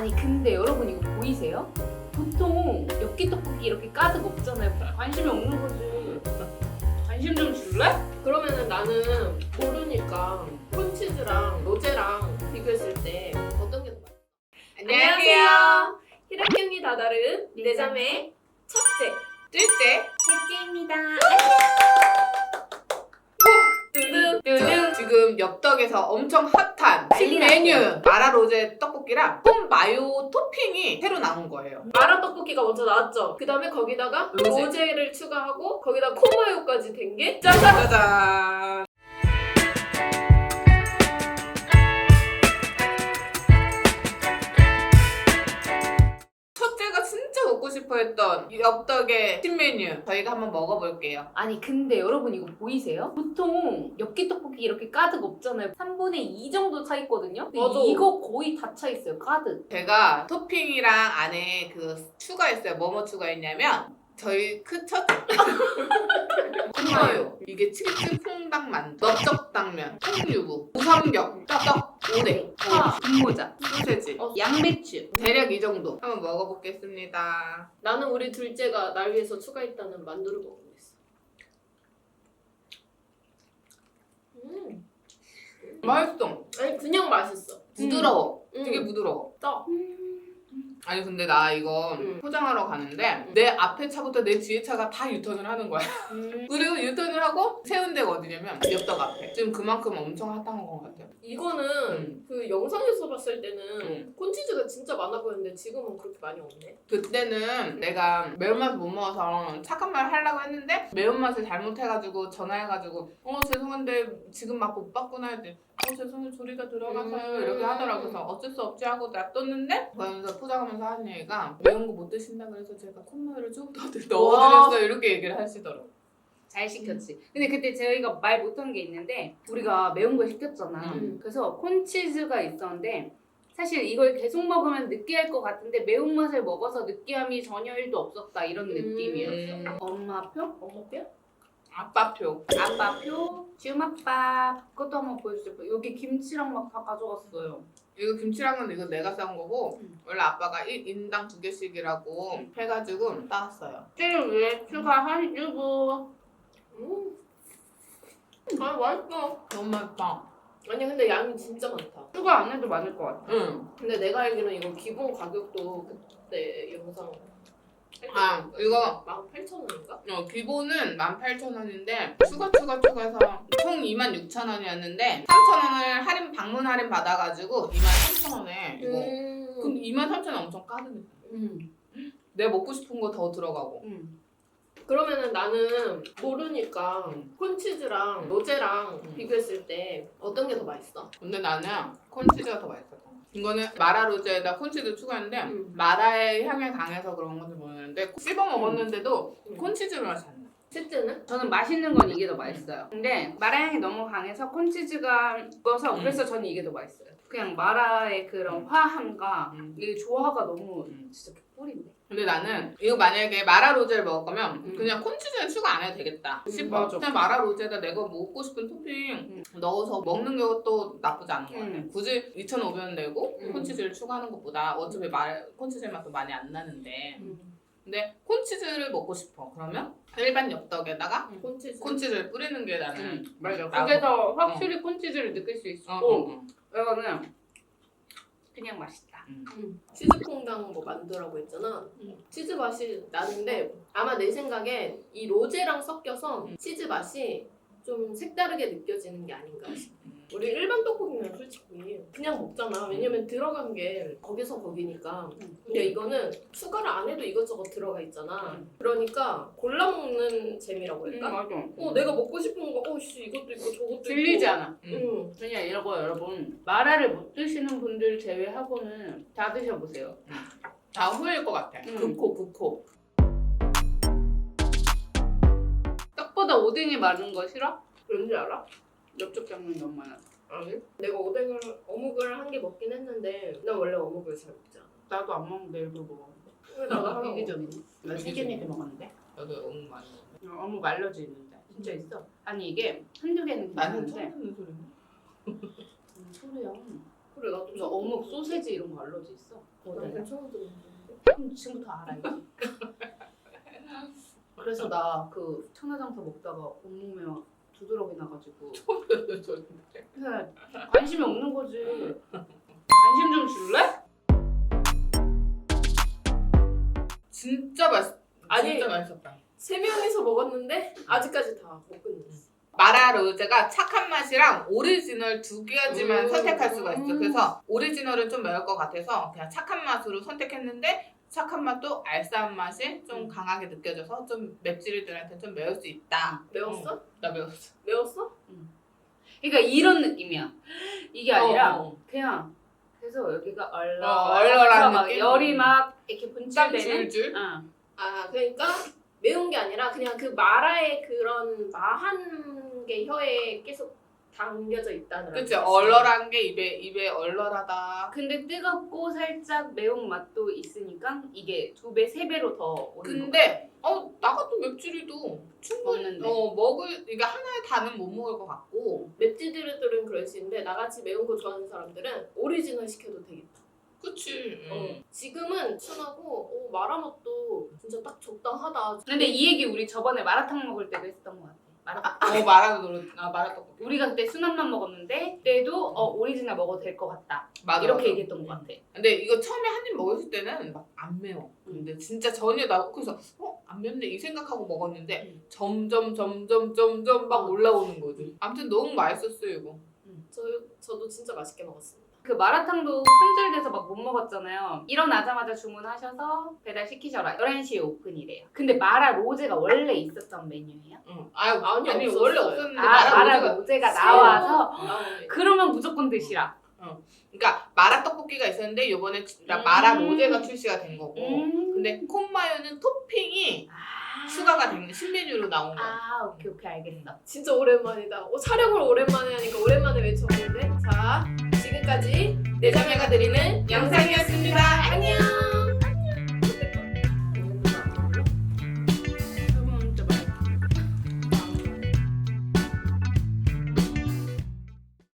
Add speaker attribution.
Speaker 1: 아니 근데 여러분 이거 보이세요? 보통 엽기 떡볶이 이렇게 가득 없잖아요. 관심이 없는 거지. 관심 좀 줄래?
Speaker 2: 그러면은 나는 모르니까 콘치즈랑 로제랑 비교했을 때 어떤 게 더 맛있어? 안녕하세요. 혈액형이 다다른 네 자매 첫째, 둘째,
Speaker 1: 셋째입니다.
Speaker 2: 두둥.
Speaker 3: 지금 엽떡에서 엄청 핫한
Speaker 1: 난리
Speaker 3: 신메뉴 마라 로제 떡볶이랑 콘 마요 토핑이 새로 나온 거예요.
Speaker 2: 마라 떡볶이가 먼저 나왔죠. 그 다음에 거기다가
Speaker 3: 로제.
Speaker 2: 로제를 추가하고 거기다 콩마요까지 된 게 짜잔!
Speaker 3: 짜잔. 첫째가 진짜 먹고 싶어했던 이 엽떡의 신메뉴 저희가 한번 먹어볼게요.
Speaker 1: 아니 근데 여러분 이거 보이세요? 보통 엽기 떡볶이 이렇게 가득 없잖아요. 3분의 2 정도 차 있거든요. 근데
Speaker 2: 맞아.
Speaker 1: 이거 거의 다 차 있어요. 가득.
Speaker 3: 제가 토핑이랑 안에 그 추가했어요. 뭐뭐 추가했냐면 저희 첫째 콩마요, 이게 치즈 콩당만, 넓적당면, 콩유부, 우삼겹, 떡, 오뎅,
Speaker 1: 파, 분모자,
Speaker 3: 소세지,
Speaker 1: 양배추.
Speaker 3: 대략 이 정도 한번 먹어보겠습니다.
Speaker 2: 나는 우리 둘째가 날 위해서 추가했다는 만두를 먹어보겠어.
Speaker 3: 맛있어.
Speaker 2: 아니 그냥 맛있어.
Speaker 3: 부드러워. 되게
Speaker 2: 음.
Speaker 3: 부드러워.
Speaker 2: 떡.
Speaker 3: 아니 근데 나 이거 포장하러 가는데 내 앞에 차부터 내 뒤에 차가 다 유턴을 하는 거야. 그리고 유턴을 하고 세운 데가 어디냐면 엽떡 앞에. 지금 그만큼 엄청 핫한 것 같아요.
Speaker 2: 이거는 그 영상에서 봤을 때는 콘치즈가 진짜 많아 보였는데 지금은 그렇게 많이 없네.
Speaker 3: 그때는 내가 매운맛을 못 먹어서 착한 말 하려고 했는데 매운맛을 잘못해가지고 전화해가지고 죄송한데 지금 맛 못 봤구나 했더니 죄송해요 조리가 들어가서요 이렇게 하더라고. 그래서 어쩔 수 없지 하고 놔뒀는데 그러면서 포장하면서 하는 얘기가 매운 거 못 드신다 그래서 제가 콧마요를 좀 더 넣어드렸어요 이렇게 얘기를 하시더라고.
Speaker 1: 잘 시켰지. 근데 그때 저희가 말 못한 게 있는데 우리가 매운 거 시켰잖아. 그래서 콘치즈가 있었는데 사실 이걸 계속 먹으면 느끼할 것 같은데 매운맛을 먹어서 느끼함이 전혀 1도 없었다 이런 느낌이었어. 엄마표?
Speaker 2: 엄마뼈?
Speaker 3: 아빠표.
Speaker 1: 아빠표? 주맛밥. 그것도 한번 보여주세요. 여기 김치랑 막 다 가져갔어요.
Speaker 3: 이거 김치랑은 이거 내가 싸온 거고 원래 아빠가 1인당 2개씩이라고 해가지고 따왔어요.
Speaker 1: 찌를 위해 추가하시고.
Speaker 2: 아 맛있어.
Speaker 3: 너무 맛있다.
Speaker 2: 아니 근데 양이 진짜 많다.
Speaker 1: 추가 안 해도 많을 것 같아.
Speaker 3: 응.
Speaker 2: 근데 내가 알기로는 이거 기본 가격도 그때 영상
Speaker 3: 이거
Speaker 2: 18,000원인가?
Speaker 3: 기본은 18,000원인데 추가해서 총 26,000원이었는데 3,000원을 할인 방문 할인 받아가지고 23,000원에 이거 그럼 23,000원 엄청 까득했다. 내가 먹고 싶은 거 더 들어가고.
Speaker 2: 그러면은 나는 모르니까 콘치즈랑 로제랑 비교했을 때 어떤 게 더 맛있어?
Speaker 3: 근데 나는 콘치즈가 더 맛있었어. 이거는 마라 로제에다 콘치즈 추가했는데 마라의 향이 강해서 그런 건지 모르겠는데 씹어 먹었는데도 콘치즈 맛이 안 나.
Speaker 2: 셋째는?
Speaker 1: 저는 맛있는 건 이게 더 맛있어요. 근데 마라향이 너무 강해서 콘치즈가 익어서 그래서 저는 이게 더 맛있어요. 그냥 마라의 그런 화함과 이 조화가 너무 진짜 꿀인데.
Speaker 3: 근데 나는 이거 만약에 마라 로제를 먹을 거면 그냥 콘치즈는 추가 안 해도 되겠다 싶어.
Speaker 1: 맞아.
Speaker 3: 그냥 마라 로제에다 내가 먹고 싶은 토핑 넣어서 먹는 것도 나쁘지 않은 것 같아. 굳이 2,500원 내고 콘치즈를 추가하는 것보다 어차피 콘치즈 맛도 많이 안 나는데 근데 콘치즈를 먹고 싶어. 그러면 일반 엽떡에다가 콘치즈를 뿌리는 게 나는
Speaker 1: 맞아.
Speaker 3: 나은
Speaker 1: 그게
Speaker 3: 것
Speaker 1: 더 확실히 콘치즈를 느낄 수 있고 이거는 그냥 맛있다.
Speaker 2: 치즈퐁당 뭐 만두라고 했잖아. 치즈 맛이 나는데 아마 내 생각에 이 로제랑 섞여서 치즈 맛이 좀 색다르게 느껴지는 게 아닌가 싶어. 우리 일반 떡볶이는 솔직히 그냥 먹잖아. 왜냐면 들어간 게 거기서 거기니까. 근데 이거는 추가를 안 해도 이것저것 들어가 있잖아. 그러니까 골라 먹는 재미라고 할까?
Speaker 1: 맞아.
Speaker 2: 내가 먹고 싶은 거, 이것도 있고 저것도
Speaker 1: 질리지
Speaker 2: 있고.
Speaker 1: 않아. 그냥 이러고 여러분 마라를 못 드시는 분들 제외하고는 다 드셔보세요.
Speaker 3: 다 후회일 것 같아.
Speaker 2: 극호.
Speaker 1: 떡보다 오뎅이 많은 거 싫어?
Speaker 2: 왠지 알아?
Speaker 1: 엽떡 장면이 너무 많아.
Speaker 2: 아니? 내가 어묵을 한 개 먹긴 했는데 난 원래 어묵을 잘 먹지 않아.
Speaker 1: 나도 안 먹는데 일부러 먹었는데.
Speaker 2: 왜 나도 하나 먹어?
Speaker 1: 이기적이네. 나 3개나 먹었는데.
Speaker 3: 나도 너무 많이 먹어.
Speaker 1: 어묵 알러지 있는데. 진짜 있어. 아니 이게 한두 개는
Speaker 3: 나는
Speaker 1: 괜찮은데.
Speaker 3: 처음 듣는 소리네.
Speaker 1: 소리야.
Speaker 2: 그래 나도
Speaker 1: 너 어묵, 소세지 이런 거 알러지 있어?
Speaker 2: 난 처음 들었는데.
Speaker 1: 그럼 지금부터 알아야지. 그래서 나 그 천하장사 먹다가 온몸에 막 두드러기 나가지고 그냥 관심이 없는 거지. 관심 좀 줄래?
Speaker 3: 진짜
Speaker 2: 아니.
Speaker 3: 진짜 맛있었다.
Speaker 2: 3명이서 먹었는데 아직까지 다 못 끝냈어.
Speaker 3: 마라 로제가 착한 맛이랑 오리지널 두 가지만 선택할 수가 있어.
Speaker 1: 음.
Speaker 3: 그래서 오리지널은 좀 매울 것 같아서 그냥 착한 맛으로 선택했는데 착한 맛도 알싸한 맛이 좀 강하게 느껴져서 좀 맵찔이들한테 좀 매울 수 있다.
Speaker 2: 매웠어?
Speaker 3: 나 매웠어.
Speaker 2: 매웠어?
Speaker 1: 그러니까 이런 느낌이야. 이게 아니라
Speaker 3: 어.
Speaker 1: 그냥 그래서 여기가
Speaker 3: 얼얼한
Speaker 1: 막
Speaker 3: 느낌?
Speaker 1: 열이 막 이렇게
Speaker 3: 땀
Speaker 1: 분출되는.
Speaker 3: 줄줄.
Speaker 1: 응.
Speaker 2: 아 그러니까 매운 게 아니라 그냥 그 마라의 그런 마한 게 혀에 계속 담겨져 있다는.
Speaker 3: 그치 얼얼한 게 입에 얼얼하다.
Speaker 1: 근데 뜨겁고 살짝 매운 맛도 있으니까 이게 2배, 3배로 더 오는
Speaker 3: 근데 나 같은 맵찔이도 충분히
Speaker 1: 먹는데.
Speaker 3: 이게 하나의 단은 못 먹을 것 같고.
Speaker 2: 맵찔이들은 그럴 수 있는데 나같이 매운 거 좋아하는 사람들은 오리지널 시켜도 되겠다.
Speaker 3: 그치.
Speaker 2: 지금은 순하고 마라 맛도 진짜 딱 적당하다.
Speaker 1: 근데 이 얘기 우리 저번에 마라탕 먹을 때도 했던 것 같아. 마라탕.
Speaker 3: 마라 떡볶이.
Speaker 1: 우리가 그때 순한맛 먹었는데 그때도 오리지널 먹어도 될 것 같다.
Speaker 3: 맞아,
Speaker 1: 이렇게
Speaker 3: 맞아.
Speaker 1: 얘기했던 것 같아.
Speaker 3: 근데 이거 처음에 한 입 먹었을 때는 막 안 매워. 근데 진짜 전혀 나 그래서 안 맵네 이 생각하고 먹었는데 점점 막 올라오는 거지. 아무튼 너무 맛있었어요 이거.
Speaker 2: 저도 진짜 맛있게 먹었습니다.
Speaker 1: 그 마라탕도 품절돼서 막 못 먹었잖아요. 일어나자마자 주문하셔서 배달시키셔라. 11시에 오픈이래요. 근데 마라 로제가 원래 있었던 메뉴예요?
Speaker 3: 응.
Speaker 2: 아니,
Speaker 3: 아니
Speaker 2: 없었어요.
Speaker 3: 원래 없었는데
Speaker 1: 마라 로제가 나와서
Speaker 2: 나오네.
Speaker 1: 그러면 무조건 드시라.
Speaker 3: 그러니까 마라 떡볶이가 있었는데 이번에 마라 로제가 출시가 된 거고. 근데 콘마요는 토핑이 추가가 된 신메뉴로 나온 거야.
Speaker 1: 오케이 알겠어.
Speaker 2: 진짜 오랜만이다. 촬영을 오랜만에 하니까 오랜만에 외쳐보는데 자 지금까지 내자매가 드리는 영상이었습니다. 안녕.